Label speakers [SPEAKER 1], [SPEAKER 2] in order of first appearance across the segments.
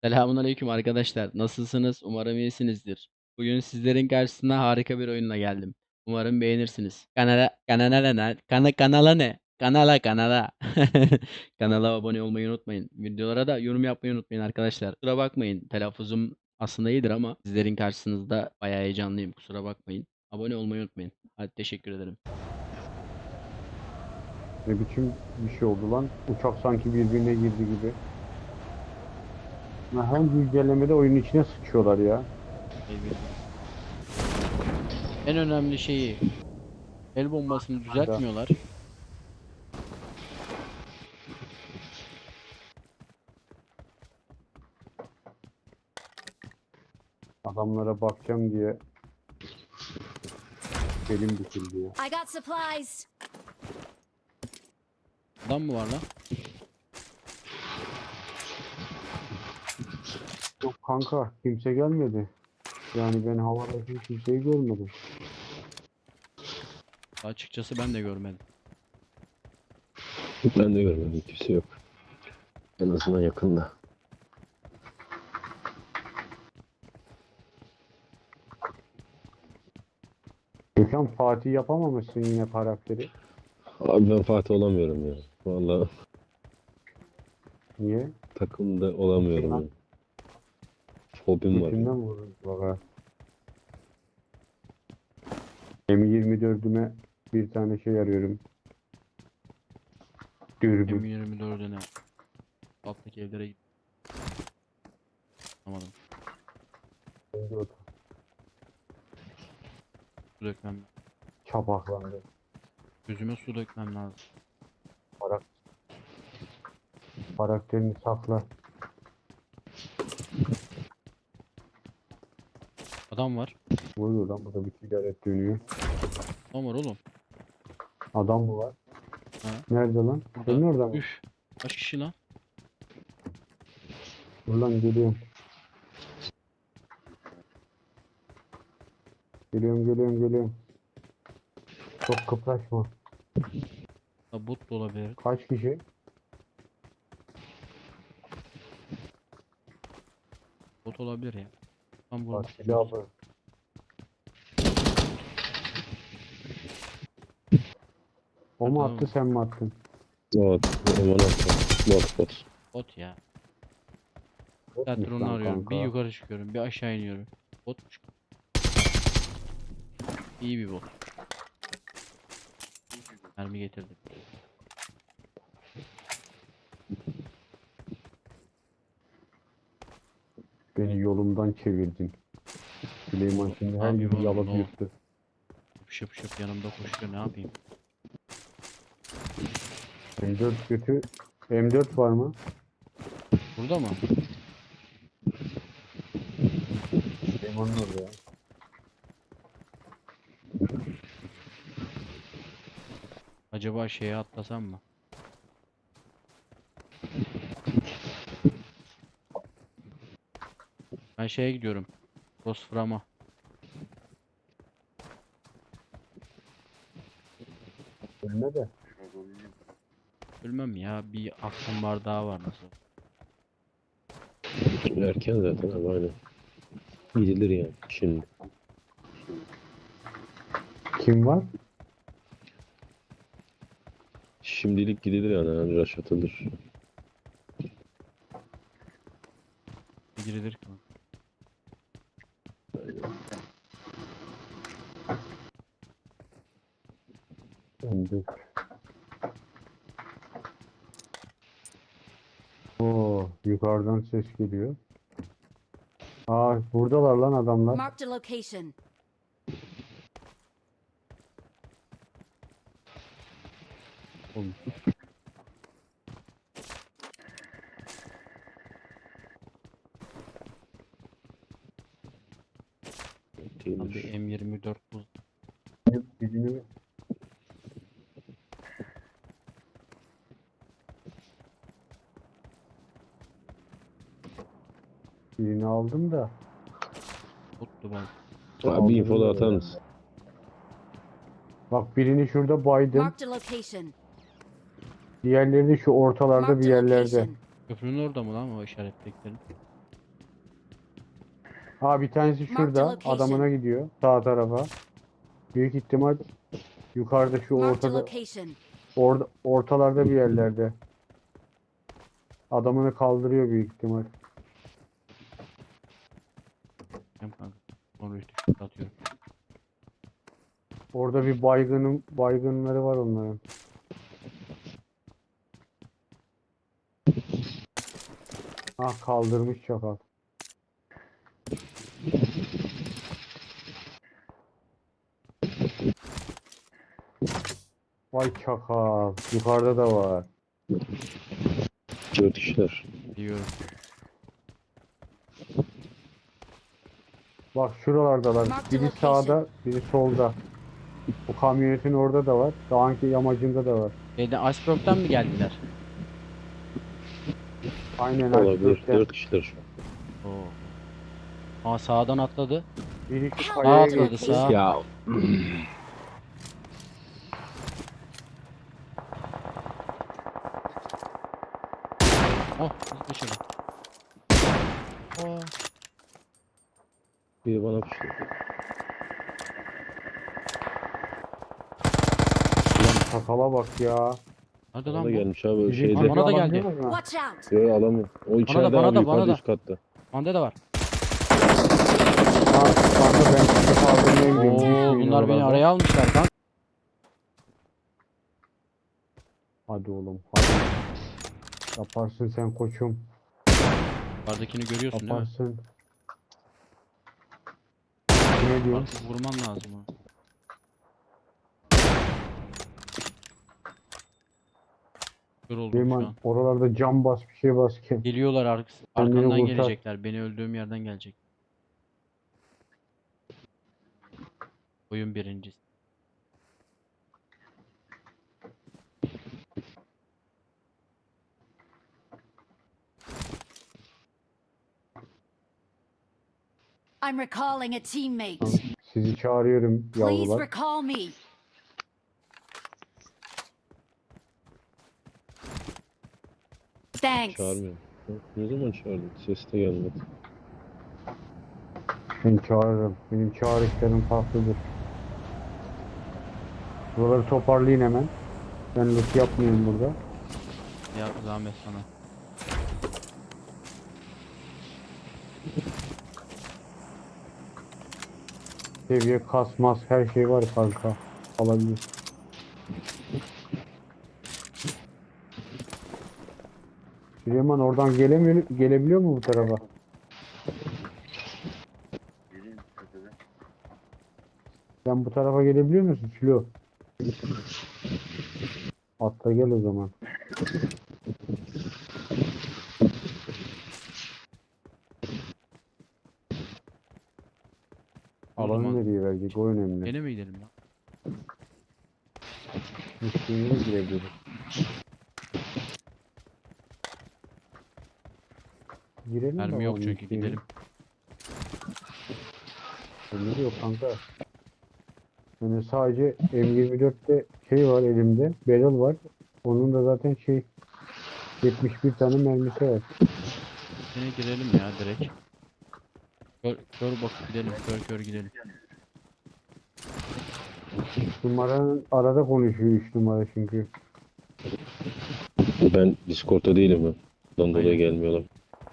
[SPEAKER 1] Selamünaleyküm arkadaşlar. Nasılsınız? Umarım iyisinizdir. Bugün sizlerin karşısına harika bir oyunla geldim. Umarım beğenirsiniz. Kanala ne? Kanala. Kanala abone olmayı unutmayın. Videolara da yorum yapmayı unutmayın arkadaşlar. Kusura bakmayın. Telaffuzum aslında iyidir ama sizlerin karşısınızda bayağı heyecanlıyım. Kusura bakmayın. Abone olmayı unutmayın. Hadi teşekkür ederim.
[SPEAKER 2] Ne biçim bir şey oldu lan? Uçak sanki birbirine girdi gibi. Ya her güncellemede oyunun içine sıçıyorlar ya.
[SPEAKER 1] Eyvallah. En önemli şeyi el bombasını
[SPEAKER 2] Anda
[SPEAKER 1] düzeltmiyorlar.
[SPEAKER 2] adamlara bakacağım diye belim büküldü ya.
[SPEAKER 3] I got supplies.
[SPEAKER 1] Adam mı var lan?
[SPEAKER 2] Yok kanka kimse gelmedi. Yani ben havadaki kimseyi görmedim.
[SPEAKER 1] Açıkçası ben de görmedim.
[SPEAKER 4] Ben de görmedim. Kimse yok. En azından yakında.
[SPEAKER 2] Gökhan Fatih yapamamışsın yine karakteri.
[SPEAKER 4] Abi ben Fatih olamıyorum ya. Vallahi
[SPEAKER 2] Niye?
[SPEAKER 4] takımda olamıyorum ya. Fobim var ya.
[SPEAKER 2] Götünden vururuz baba. M24'üme bir tane şey arıyorum. Dürbün.
[SPEAKER 1] M24'üne alttaki evlere git. Anlamadım. Su dökmem.
[SPEAKER 2] Çapaklandı.
[SPEAKER 1] Gözüme su dökmem lazım.
[SPEAKER 2] Karakterini sakla.
[SPEAKER 1] Adam var.
[SPEAKER 2] Vuruyor lan burada bir ticaret dönüyor.
[SPEAKER 1] Adam var oğlum.
[SPEAKER 2] Adam mı var?
[SPEAKER 1] Ha.
[SPEAKER 2] Nerede lan?
[SPEAKER 1] Burada.
[SPEAKER 2] Senin orada mı?
[SPEAKER 1] Üf. Kaç kişi lan?
[SPEAKER 2] Dur lan geliyorum. Geliyorum. Çok kıpraşma.
[SPEAKER 1] Ha, bot da olabilir.
[SPEAKER 2] Kaç kişi?
[SPEAKER 1] Bot olabilir ya. Tam
[SPEAKER 2] Bak
[SPEAKER 1] burada.
[SPEAKER 2] silahı. O mu
[SPEAKER 1] Tamam.
[SPEAKER 2] attı sen mi attın?
[SPEAKER 4] Bot. Aman atma. Bot.
[SPEAKER 1] Bot ya.
[SPEAKER 2] Botmuş
[SPEAKER 1] Zaten onu
[SPEAKER 2] lan
[SPEAKER 1] arıyorum.
[SPEAKER 2] kanka.
[SPEAKER 1] Bir yukarı çıkıyorum. Bir aşağı iniyorum. Botmuş. İyi bir bot. Mermi getirdim.
[SPEAKER 2] Beni yolumdan çevirdin. Süleyman şimdi her
[SPEAKER 1] Abi
[SPEAKER 2] yeri
[SPEAKER 1] oğlum,
[SPEAKER 2] yalıp
[SPEAKER 1] ne oldu?
[SPEAKER 2] yuttu.
[SPEAKER 1] Şıp yanımda koşuyor. Ne yapayım?
[SPEAKER 2] M4 kötü. M4 var mı?
[SPEAKER 1] Burada mı?
[SPEAKER 2] Süleyman'ın orada ya.
[SPEAKER 1] Acaba şeye atlasam mı? Ben şeye gidiyorum. Rosfram'a.
[SPEAKER 2] Ölme de.
[SPEAKER 1] Bilmem ya. Bir aklım bardağı var nasıl?
[SPEAKER 4] Erken zaten abi aynen. Gidilir yani şimdi.
[SPEAKER 2] Kim var?
[SPEAKER 4] Şimdilik gidilir yani rush atılır.
[SPEAKER 1] Bir girilir ki.
[SPEAKER 2] M4. Oo, yukarıdan ses geliyor. Aa, buradalar lan adamlar.
[SPEAKER 3] Marked a location.
[SPEAKER 2] Oğlum,
[SPEAKER 1] Tam bir
[SPEAKER 4] Değilmiş.
[SPEAKER 1] M24 buz.
[SPEAKER 2] birini birini aldım da.
[SPEAKER 1] Bottu ben.
[SPEAKER 4] Abi info da
[SPEAKER 2] Aldırırlar
[SPEAKER 4] atar
[SPEAKER 2] yani.
[SPEAKER 4] mısın?
[SPEAKER 2] Bak birini şurada baydım.
[SPEAKER 3] Marked a location.
[SPEAKER 2] Diğerleri de şu ortalarda bir
[SPEAKER 3] Marked a
[SPEAKER 2] yerlerde.
[SPEAKER 3] location.
[SPEAKER 1] Köprünün orada mı lan o işaretlediklerin?
[SPEAKER 2] Ha, bir tanesi
[SPEAKER 3] Marked
[SPEAKER 2] şurada.
[SPEAKER 3] location.
[SPEAKER 2] Adamına gidiyor. Sağ tarafa. Büyük ihtimal yukarıda şu
[SPEAKER 3] Marked a
[SPEAKER 2] ortada,
[SPEAKER 3] location.
[SPEAKER 2] ortalarda bir yerlerde. Adamını kaldırıyor büyük ihtimal.
[SPEAKER 1] Hem kanka. Sonra işte atıyorum.
[SPEAKER 2] Orada bir baygınları var onların. Ah, kaldırmış çakal. Vay çakal. Yukarıda da var.
[SPEAKER 4] 4 kişiler.
[SPEAKER 1] Biliyorum.
[SPEAKER 2] Bak şuralardalar.
[SPEAKER 3] Marked
[SPEAKER 2] Biri
[SPEAKER 3] location.
[SPEAKER 2] sağda, biri solda. Bu kamyonetin orada da var. Dağınki yamacında da var.
[SPEAKER 1] Iceblock'tan mı geldiler?
[SPEAKER 2] Aynen
[SPEAKER 4] Olabilir.
[SPEAKER 2] Iceberg'ten.
[SPEAKER 4] 4 kişiler şu an.
[SPEAKER 1] Oo. Aa sağdan atladı.
[SPEAKER 2] Biri şu
[SPEAKER 3] Help.
[SPEAKER 2] kayaya
[SPEAKER 3] Marked a
[SPEAKER 1] atladı,
[SPEAKER 2] geçti.
[SPEAKER 1] sağa.
[SPEAKER 3] location.
[SPEAKER 4] Ya
[SPEAKER 1] Oh dışarı. Oh.
[SPEAKER 4] biri bana pişti.
[SPEAKER 2] Ulan çakala bak ya.
[SPEAKER 1] Nerede
[SPEAKER 4] Bana
[SPEAKER 1] lan
[SPEAKER 4] da
[SPEAKER 1] bu?
[SPEAKER 4] gelmiş abi
[SPEAKER 2] Bizim
[SPEAKER 4] şeyde.
[SPEAKER 1] Bana
[SPEAKER 2] çocuğu
[SPEAKER 1] da
[SPEAKER 2] alabiliyor
[SPEAKER 1] geldi.
[SPEAKER 2] musun?
[SPEAKER 3] Watch out.
[SPEAKER 4] Yo alamıyorum. O içeride
[SPEAKER 1] bana
[SPEAKER 4] abi
[SPEAKER 1] da,
[SPEAKER 4] yukarıda
[SPEAKER 1] bana
[SPEAKER 4] üst katta.
[SPEAKER 1] Bende de var.
[SPEAKER 2] Ha, kanka ben sizi kaldırmaya gidiyorum.
[SPEAKER 1] Oo
[SPEAKER 2] Düşmeyin
[SPEAKER 1] bunlar beni
[SPEAKER 2] oralarda.
[SPEAKER 1] araya almışlar kanka.
[SPEAKER 2] Hadi oğlum hadi. Yaparsın sen koçum.
[SPEAKER 1] Yukarıdakini görüyorsun değil mi?
[SPEAKER 2] Yaparsın. Ne diyorsun?
[SPEAKER 1] Artık vurman lazım ha. Kör oldum şu
[SPEAKER 2] Süleyman
[SPEAKER 1] an.
[SPEAKER 2] oralarda cam bas, bir şey bas ki.
[SPEAKER 1] Geliyorlar
[SPEAKER 2] Kendini
[SPEAKER 1] arkamdan
[SPEAKER 2] kurtar.
[SPEAKER 1] gelecekler. Beni öldüğüm yerden gelecek. Oyun birincisi.
[SPEAKER 3] I'm recalling a teammate.
[SPEAKER 2] Tamam, sizi çağırıyorum
[SPEAKER 3] Please
[SPEAKER 2] yavrular.
[SPEAKER 3] recall me. Thanks.
[SPEAKER 4] Çağırmıyorum. Ne zaman çağırdın? Ses de gelmedi.
[SPEAKER 2] Ben çağırırım. Benim çağrışlarım farklıdır. Buraları toparlayın hemen. Ben loot yapmayayım burada.
[SPEAKER 1] Ya zahmet sana.
[SPEAKER 2] Seviye kasmaz her şey var kanka. Alabilir. Süleyman oradan gelebiliyor mu bu tarafa? Sen bu tarafa gelebiliyor musun Sülo? Atla gel o zaman.
[SPEAKER 1] O
[SPEAKER 2] Alanı
[SPEAKER 1] zaman
[SPEAKER 2] nereye verecek? O önemli.
[SPEAKER 1] gene mi gidelim ya?
[SPEAKER 2] Müşteriye girebiliriz. Girelim
[SPEAKER 1] Mermi yok
[SPEAKER 2] bakalım
[SPEAKER 1] çünkü
[SPEAKER 2] müşteriye.
[SPEAKER 1] gidelim.
[SPEAKER 2] Mermi yok kanka. Yani sadece M24'te şey var elimde. Barrel var. Onun da zaten 71 tane mermisi var.
[SPEAKER 1] Yine girelim ya direkt. Kör bakıp gidelim. Kör gidelim.
[SPEAKER 2] 3 numaranın arada konuşuyor 3 numara çünkü.
[SPEAKER 4] Ben Discord'da değilim ben. Ondan dolayı
[SPEAKER 1] Aynen.
[SPEAKER 4] gelmiyorlar.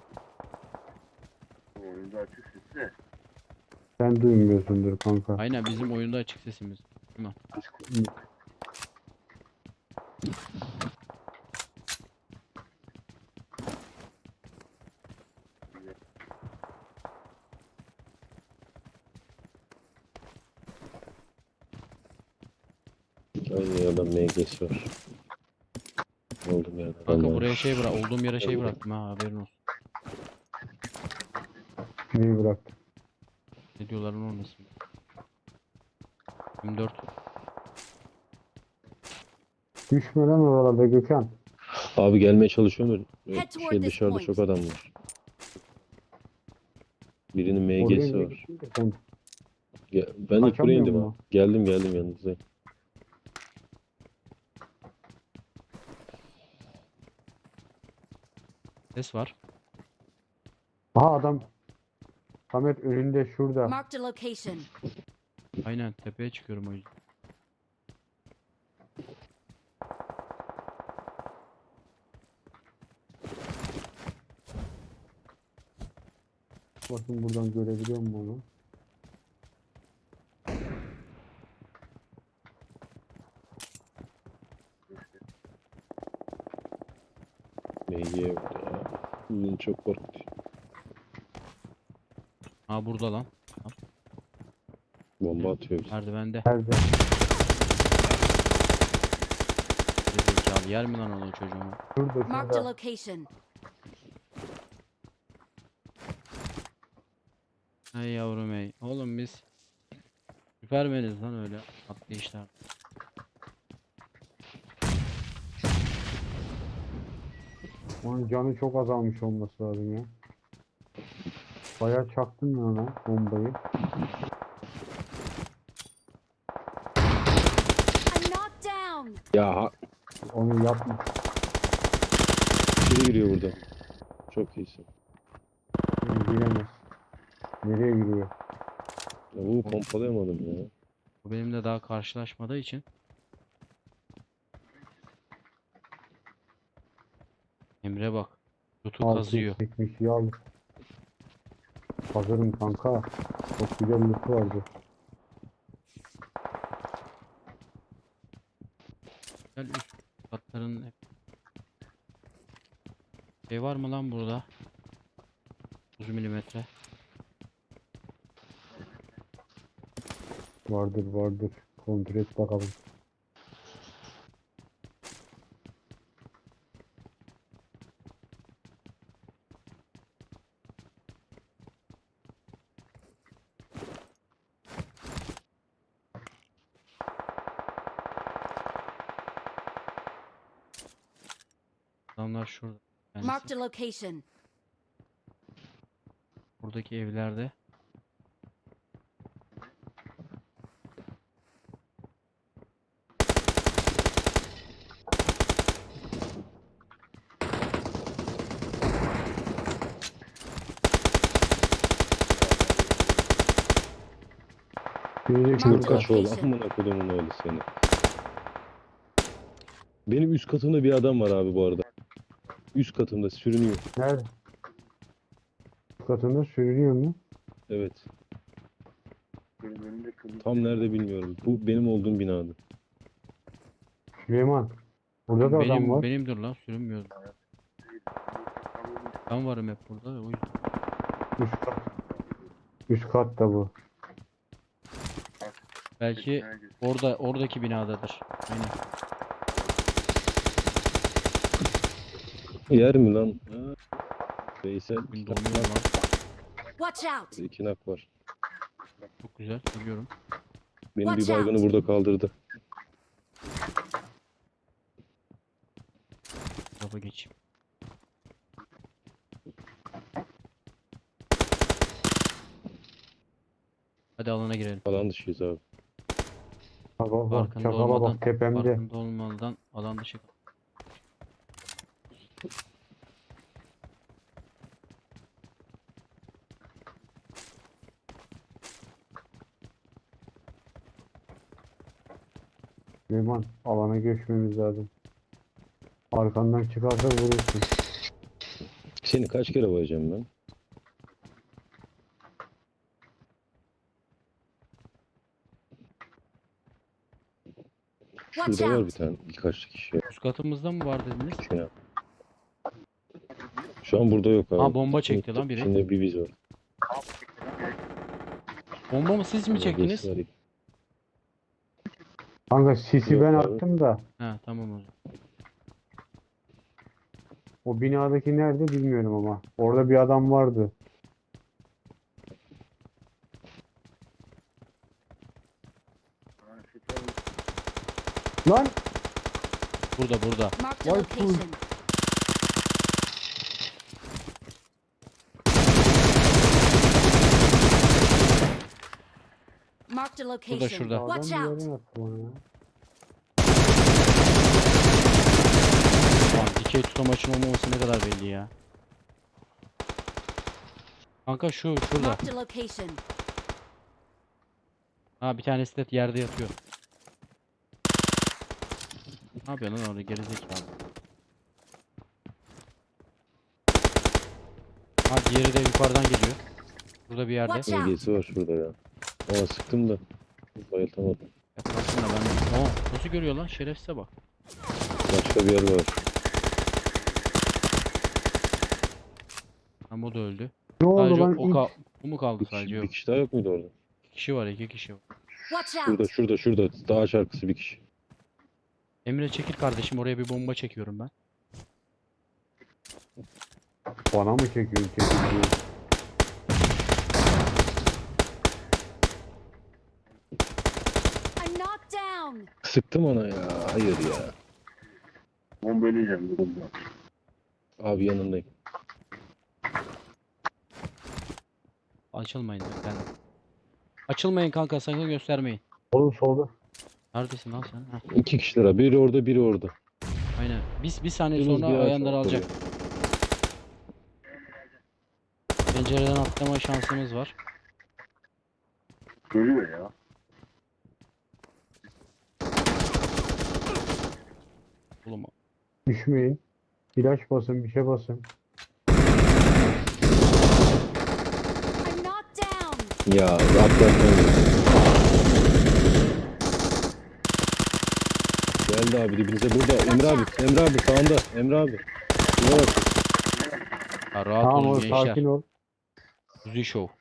[SPEAKER 2] Sen duymuyorsundur kanka.
[SPEAKER 1] Aynen bizim oyunda açık sesimiz. Değil mi?
[SPEAKER 4] Aynı yerden MG'si var. Oldum yani.
[SPEAKER 1] Kanka buraya şey bırak. Olduğum yere şey bıraktım ha haberin olsun.
[SPEAKER 2] Neyi bıraktın?
[SPEAKER 1] Ne diyorlar onun olmasın. 24.
[SPEAKER 2] Düşme lan oralarda Gökhan.
[SPEAKER 4] Abi gelmeye çalışıyorum da
[SPEAKER 3] Head toward
[SPEAKER 4] şey
[SPEAKER 3] this
[SPEAKER 4] dışarıda
[SPEAKER 3] point.
[SPEAKER 4] çok adam var. Birinin
[SPEAKER 2] Oraya
[SPEAKER 4] MG'si
[SPEAKER 2] niye
[SPEAKER 4] var.
[SPEAKER 2] gittin ki sen?
[SPEAKER 4] Ben ilk buraya
[SPEAKER 2] Kaçamıyor
[SPEAKER 4] indim ha.
[SPEAKER 2] mu?
[SPEAKER 4] Geldim yanınızdayım.
[SPEAKER 1] Ses var.
[SPEAKER 2] Aha adam. Samet önünde şurada.
[SPEAKER 3] Marked a location.
[SPEAKER 1] Aynen tepeye çıkıyorum o yüzden.
[SPEAKER 2] Bakın buradan görebiliyor musun onu?
[SPEAKER 4] MG yok ya. Beni çok korkutuyor.
[SPEAKER 1] Ha burada lan.
[SPEAKER 4] Bomba atıyor bize.
[SPEAKER 1] Merdivende.
[SPEAKER 2] Nerede?
[SPEAKER 1] Zekalı yer mi lan onu çocuğumu?
[SPEAKER 2] Şurada
[SPEAKER 3] Marked a
[SPEAKER 2] şurada.
[SPEAKER 3] location.
[SPEAKER 1] Hey yavrum hey. Oğlum biz süpermeniz lan öyle atlayışlar.
[SPEAKER 2] Onun canı çok azalmış olması lazım ya. Bayağı çaktım ya ona bombayı.
[SPEAKER 3] I'm knocked down.
[SPEAKER 4] Ya
[SPEAKER 2] Onu yapma.
[SPEAKER 4] biri giriyor burada. Çok iyisin.
[SPEAKER 2] Yani giremez. Nereye giriyor?
[SPEAKER 4] Ya bunu pompalayamadım ya.
[SPEAKER 1] Bu benimle daha karşılaşmadığı için. Emre bak. Tutu kazıyor.
[SPEAKER 2] Çekmiş yağ. Hazırım kanka. Çok güzel loot vardı.
[SPEAKER 1] Gel üst katların hep. Şey var mı lan burada? 30 milimetre.
[SPEAKER 2] Vardır vardır. Kontrol et bakalım.
[SPEAKER 1] Adamlar şurada. Yani
[SPEAKER 3] Marked a location.
[SPEAKER 1] buradaki evlerde.
[SPEAKER 2] Biri de
[SPEAKER 3] Marked
[SPEAKER 2] şurada.
[SPEAKER 3] a
[SPEAKER 4] Kaç oğlum
[SPEAKER 3] location.
[SPEAKER 4] amına kodumun öyle seni. Benim üst katımda bir adam var abi bu arada. Üst katımda sürünüyor.
[SPEAKER 2] Nerede? Katında sürünüyor mu?
[SPEAKER 4] Evet. Tam nerede bilmiyorum. Bu benim olduğum binada.
[SPEAKER 2] Süleyman. Burada da adam
[SPEAKER 1] Benim
[SPEAKER 2] var.
[SPEAKER 1] benimdir lan sürünmüyorum. Ben varım hep burada. O yüzden.
[SPEAKER 2] Üst kat. Üst katta bu.
[SPEAKER 1] Belki oradaki binadadır. Aynen.
[SPEAKER 4] Yer mi lan? Ha. Veysel
[SPEAKER 1] Bugün
[SPEAKER 4] iki nak
[SPEAKER 1] donuyor
[SPEAKER 4] var.
[SPEAKER 1] lan.
[SPEAKER 3] Watch out.
[SPEAKER 4] İki nak var.
[SPEAKER 1] Çok güzel. Biliyorum.
[SPEAKER 4] Benim bir
[SPEAKER 3] Watch out.
[SPEAKER 4] baygını burada kaldırdı.
[SPEAKER 1] Tarafa geçeyim. Hadi alana girelim.
[SPEAKER 4] Alan dışıyız abi.
[SPEAKER 2] Bak bak bak.
[SPEAKER 1] Farkında
[SPEAKER 2] Çakala
[SPEAKER 1] olmadan,
[SPEAKER 2] bak tepemde.
[SPEAKER 1] farkında olmadan alan dışı.
[SPEAKER 2] Süleyman alana geçmemiz lazım. Arkandan çıkarsa vurursun.
[SPEAKER 4] Seni kaç kere bayacağım ben?
[SPEAKER 3] Watch
[SPEAKER 4] Şurada var bir
[SPEAKER 3] out.
[SPEAKER 4] tane birkaç kişi.
[SPEAKER 1] Üst katımızda mı var dediniz?
[SPEAKER 4] Şuna. Şu an burada yok abi.
[SPEAKER 1] Ha, bomba çekti lan biri.
[SPEAKER 4] İçinde bir biz var.
[SPEAKER 1] Bomba mı siz mi çektiniz?
[SPEAKER 4] Var.
[SPEAKER 2] Kanka sisi
[SPEAKER 4] Yok
[SPEAKER 2] ben
[SPEAKER 4] abi.
[SPEAKER 2] attım da
[SPEAKER 1] Ha tamam o zaman.
[SPEAKER 2] o binadaki nerede bilmiyorum ama. Orada bir adam vardı. Lan
[SPEAKER 1] Burada.
[SPEAKER 3] Marked a
[SPEAKER 2] Vay
[SPEAKER 3] location. Marked a location.
[SPEAKER 1] şurada.
[SPEAKER 2] adam
[SPEAKER 3] Watch
[SPEAKER 2] bir
[SPEAKER 3] out.
[SPEAKER 2] yerden attı bana ya.
[SPEAKER 1] Lan dikey tutamaçın olmaması ne kadar belli ya. Kanka şurada.
[SPEAKER 3] Marked a location.
[SPEAKER 1] Ha bir tanesi de yerde yatıyor. Ne yapıyorsun lan orada gerizekalı? Ha diğeri de yukarıdan geliyor. Burada bir yerde.
[SPEAKER 3] Watch out.
[SPEAKER 4] MG'si var şurada ya. Ama sıktım da. Bayıltamadım.
[SPEAKER 1] Yaklaşsın da ben. Aa, nasıl görüyor lan? Şerefsize bak.
[SPEAKER 4] Başka bir yer var.
[SPEAKER 1] Ama o da öldü.
[SPEAKER 2] Ne oldu
[SPEAKER 1] Sadece
[SPEAKER 2] lan?
[SPEAKER 1] o mu kaldı
[SPEAKER 4] Bir
[SPEAKER 1] sadece
[SPEAKER 4] kişi,
[SPEAKER 1] yok.
[SPEAKER 4] bir kişi daha yok muydu orada?
[SPEAKER 1] 2 kişi var, 2 kişi var.
[SPEAKER 3] Watch
[SPEAKER 4] Şurada
[SPEAKER 3] out.
[SPEAKER 4] şurada. Dağ şarkısı bir kişi.
[SPEAKER 1] Emre çekil kardeşim, oraya bir bomba çekiyorum ben.
[SPEAKER 2] Bana mı çekiyorsun? Çekiyorsun.
[SPEAKER 3] I'm knocked down.
[SPEAKER 4] Sıktım ona ya. Hayır ya.
[SPEAKER 2] Bombalıyacağım.
[SPEAKER 4] Abi yanındayım.
[SPEAKER 1] Açılmayın lütfen. Açılmayın kanka, sakın göstermeyin.
[SPEAKER 2] Oğlum solda.
[SPEAKER 1] Neredesin lan sen? Heh,
[SPEAKER 4] İki kişiler abi. Biri orada biri orada.
[SPEAKER 1] aynen. Bir saniye
[SPEAKER 4] Biriniz
[SPEAKER 1] sonra
[SPEAKER 4] bir ağaç
[SPEAKER 1] ayanları
[SPEAKER 4] var,
[SPEAKER 1] alacak.
[SPEAKER 4] oraya.
[SPEAKER 1] Pencereden atlama şansımız var.
[SPEAKER 2] Görüyor ya.
[SPEAKER 1] Oğlum
[SPEAKER 2] Düşmeyin. İlaç basın, bir şey basın.
[SPEAKER 3] I'm knocked down.
[SPEAKER 4] Ya atlatmayın. Geldi abi dibinize burada. Emre abi sağında. Emre abi. Şuna bak.
[SPEAKER 1] ya rahat
[SPEAKER 2] Tamam
[SPEAKER 1] olun
[SPEAKER 2] oğlum,
[SPEAKER 1] gençler.
[SPEAKER 2] sakin ol.
[SPEAKER 1] Kuzi Show.